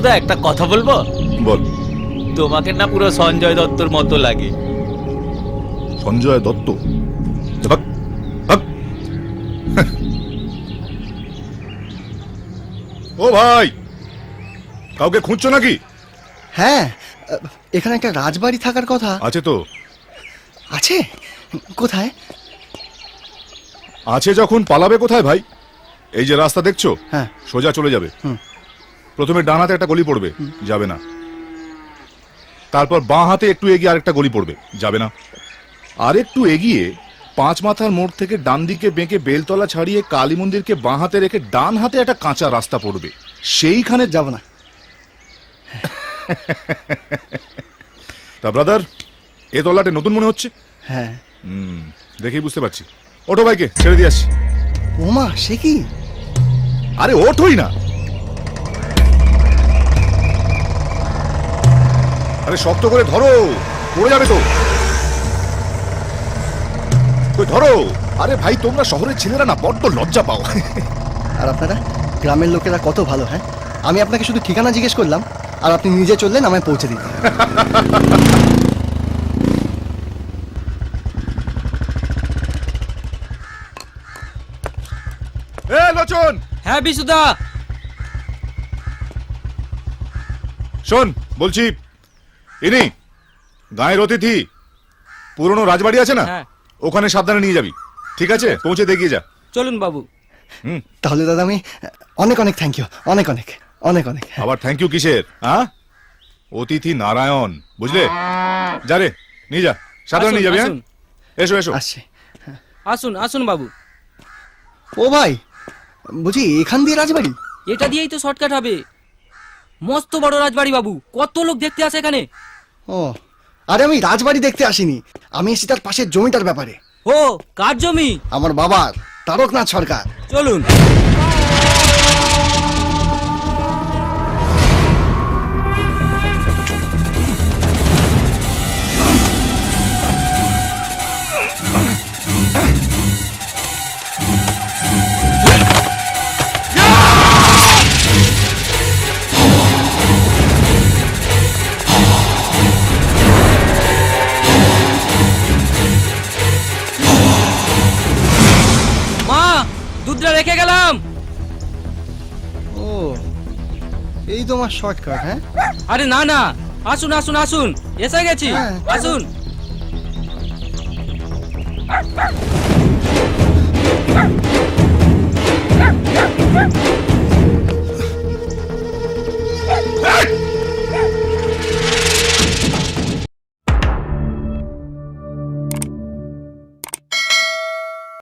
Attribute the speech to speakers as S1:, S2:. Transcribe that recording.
S1: বিশুদা একটা কথা বলবো?
S2: বল।
S1: তোমাকে না পুরো সঞ্জয় দত্তর মতো লাগে।
S2: সঞ্জয় দত্ত? ভাগ, ভাগ। ও ভাই, কাউকে খুঁজছো নাকি?
S3: হ্যাঁ, এখানে একটা রাজবাড়ি থাকার কথা
S2: আছে তো।
S3: আছে? কোথায়?
S2: আছে যখন পালাবে কোথায় ভাই? এই যে রাস্তা দেখছো,
S3: হ্যাঁ।
S2: সোজা চলে যাবে।
S3: হুম।
S2: প্রথমে ডান হাতে একটা গলি পড়বে, যাবে না। তারপর বাঁ হাতে একটু এগিয়ে আরেকটা গলি পড়বে, যাবে না। আর একটু এগিয়ে 5 মাথার মোড় থেকে ডান দিকে বেঁকে বেলতলা ছাড়িয়ে কালী মন্দিরকে বাঁ হাতে রেখে ডান হাতে একটা কাঁচা রাস্তা পড়বে, সেইখানে
S3: যাব না।
S2: তা ব্রাদার, এ তল্লাটে নতুন মনে হচ্ছে।
S3: হ্যাঁ।
S2: দেখেই বুঝতে পারছি। ওঠো ভাইকে, ছেড়ে দিয়ে আসছি।
S3: ওমা, সে কি?
S2: আরে ওঠোই না। আরে শক্ত করে ধরো, পড়ে যাবে তো। কই ধরো। আরে ভাই, তোমরা শহরের ছেলেরা না বড্ড লজ্জা পাও।
S3: আর আপনারা গ্রামের লোকেরা কত ভালো। হ্যাঁ, আমি আপনাকে শুধু ঠিকানা জিজ্ঞেস করলাম আর আপনি নিজে চললেন আমায় পৌঁছে দিলেন।
S2: এ লোচন,
S1: হ্যাঁ বিশুদা।
S2: শোন বলছি, ইনি গায়ের অতিথি। পুরনো রাজবাড়ি আছে না, ওখানে সাবধানে নিয়ে যাবি, ঠিক আছে? পৌঁছে দেখিয়ে যা।
S1: চলুন বাবু।
S3: তাহলে দাদা আমি অনেক অনেক থ্যাংক ইউ, অনেক অনেক অনেক অনেক।
S2: আবার থ্যাংক ইউ কিসের? হ্যাঁ, অতিথি নারায়ণ, বুঝলে? যা রে, নিয়ে যা, সাবধানে নিয়ে যাবি। হ্যাঁ, এসো এসো।
S3: আসছি।
S4: আসুন আসুন বাবু।
S3: ও ভাই, বুঝি এখান দিয়ে রাজবাড়ি?
S4: এটা দিয়েই তো শর্টকাট হবে। মস্ত বড় রাজবাড়ি বাবু, কত লোক দেখতে আসে এখানে।
S3: ও, আরে আমি রাজবাড়ি দেখতে আসিনি, আমি এসেছি তার পাশের জমিটার ব্যাপারে।
S4: ও, কার জমি?
S3: আমার বাবার, তারকনাথ সরকার।
S4: চলুন। মা, দুধটা রেখে গেলাম।
S3: ও, এই তো আমার শর্টকাট। হ্যাঁ,
S4: আরে না না, আসুন আসুন আসুন, এসে গেছি।
S3: হ্যাঁ,
S4: আসুন।